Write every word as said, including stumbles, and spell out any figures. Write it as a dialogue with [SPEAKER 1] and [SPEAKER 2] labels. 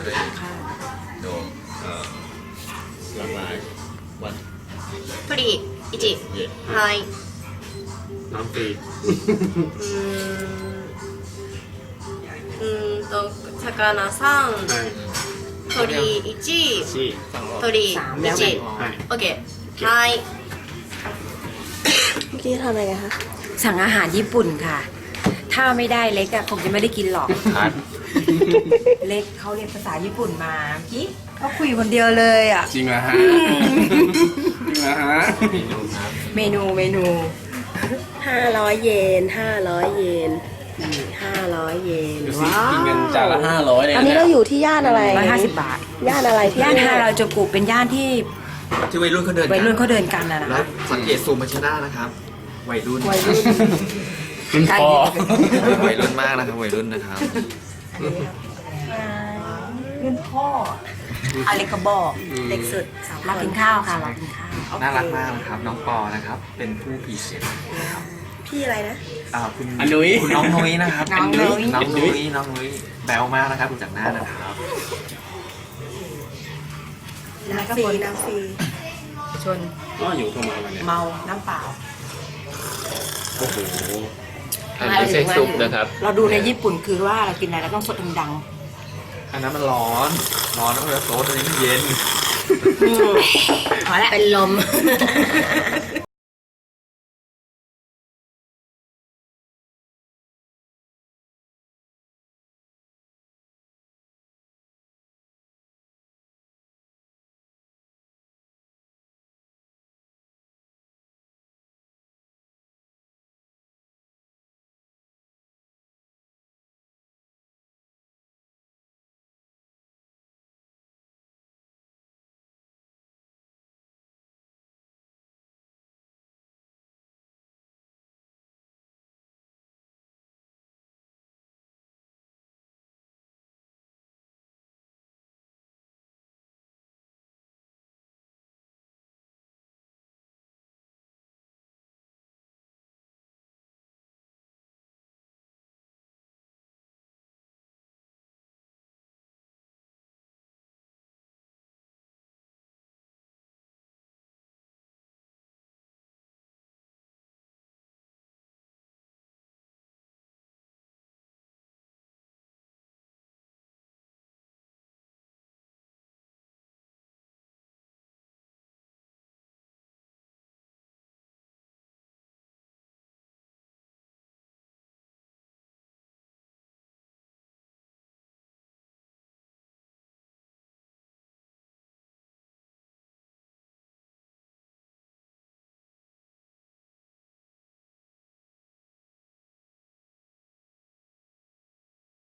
[SPEAKER 1] ด้วยโดมเอ่อหลากหลายวัน
[SPEAKER 2] 鳥いち
[SPEAKER 1] เย่
[SPEAKER 2] はい
[SPEAKER 3] น้ำฟรี
[SPEAKER 2] うーんうーんと魚さん
[SPEAKER 3] ใช่
[SPEAKER 2] 鳥いち
[SPEAKER 3] สี่
[SPEAKER 2] 鳥いち
[SPEAKER 3] ใช่
[SPEAKER 2] オッケーはい
[SPEAKER 4] เมื่อกี้ทำอะไรกันคะ
[SPEAKER 5] สั่งอาหารญี่ปุ่นค่ะ ถ้าไม่ได้เล็กอะคงจะไม่ได้กินหรอก
[SPEAKER 1] คัด
[SPEAKER 5] เล็กเขาเรียนภาษาญี่ปุ่นมาเมื่อกี้เขาคุยคนเดียวเลยอะ
[SPEAKER 3] จริงเหรอฮะจริงเหรอฮะ
[SPEAKER 5] เมนูเมนู
[SPEAKER 4] ห้าร้อยเยนห้าร้อยเยนนี่ห้าร้อยเยน
[SPEAKER 3] ดูสิ
[SPEAKER 4] ว้าว
[SPEAKER 3] กินกันจานละห้าร้อยเลย
[SPEAKER 4] อันนี้เราอยู่ที่ย่านอะไร
[SPEAKER 5] ร้อยห้าสิบบาท
[SPEAKER 4] ย่านอะไรที่
[SPEAKER 5] ย่านฮาราจูกุเป็นย่านที่
[SPEAKER 1] ที่วัยรุ่นเขาเดินกั
[SPEAKER 5] วัยรุ่นเขาเดินกันนะนะ
[SPEAKER 1] แล้ว
[SPEAKER 5] คะ
[SPEAKER 1] สังเกตซูมมาชนะนะครับวัยรุ่น
[SPEAKER 4] วัยรุ่น
[SPEAKER 3] ขึ้นคอ
[SPEAKER 1] วัยรุ่นมากนะครับวัยรุ่นนะครับ
[SPEAKER 5] รุ่นพ่ออเล็กกระบอกเด็กสุดมากินข้าวค่ะมากินข้าว
[SPEAKER 1] น่ารักมากนะครับน้องปอนะครับ เป็นผู้พรีเซนต์นะครับ
[SPEAKER 4] พี่อะไรนะ
[SPEAKER 1] อ่าคุณ
[SPEAKER 3] อันนุ้ย
[SPEAKER 1] คุณน้องนุ้ยนะครับ
[SPEAKER 5] น้องนุ้ย
[SPEAKER 1] น้องนุ้ยน้องนุ้ยแบวมากนะครับดูจากหน้านะครับ
[SPEAKER 4] น้ำฟรีน้ำฟรี
[SPEAKER 5] ชน
[SPEAKER 3] อ๋ออยู่เข้ามาวันเนี้ย
[SPEAKER 5] เมาน้ำเปล่า
[SPEAKER 3] โอ้โห
[SPEAKER 5] อันนี้ไม่ใช่ซุปนะครับ เราดูในญี่ปุ่นคือว่าเรากินอะไรเราต้องสดดัง
[SPEAKER 1] อันนั้นมันร้อนร้อนแล้วก็โซดอันนี้มันเย็น
[SPEAKER 5] ๆพอแล้ว
[SPEAKER 2] เป็นลม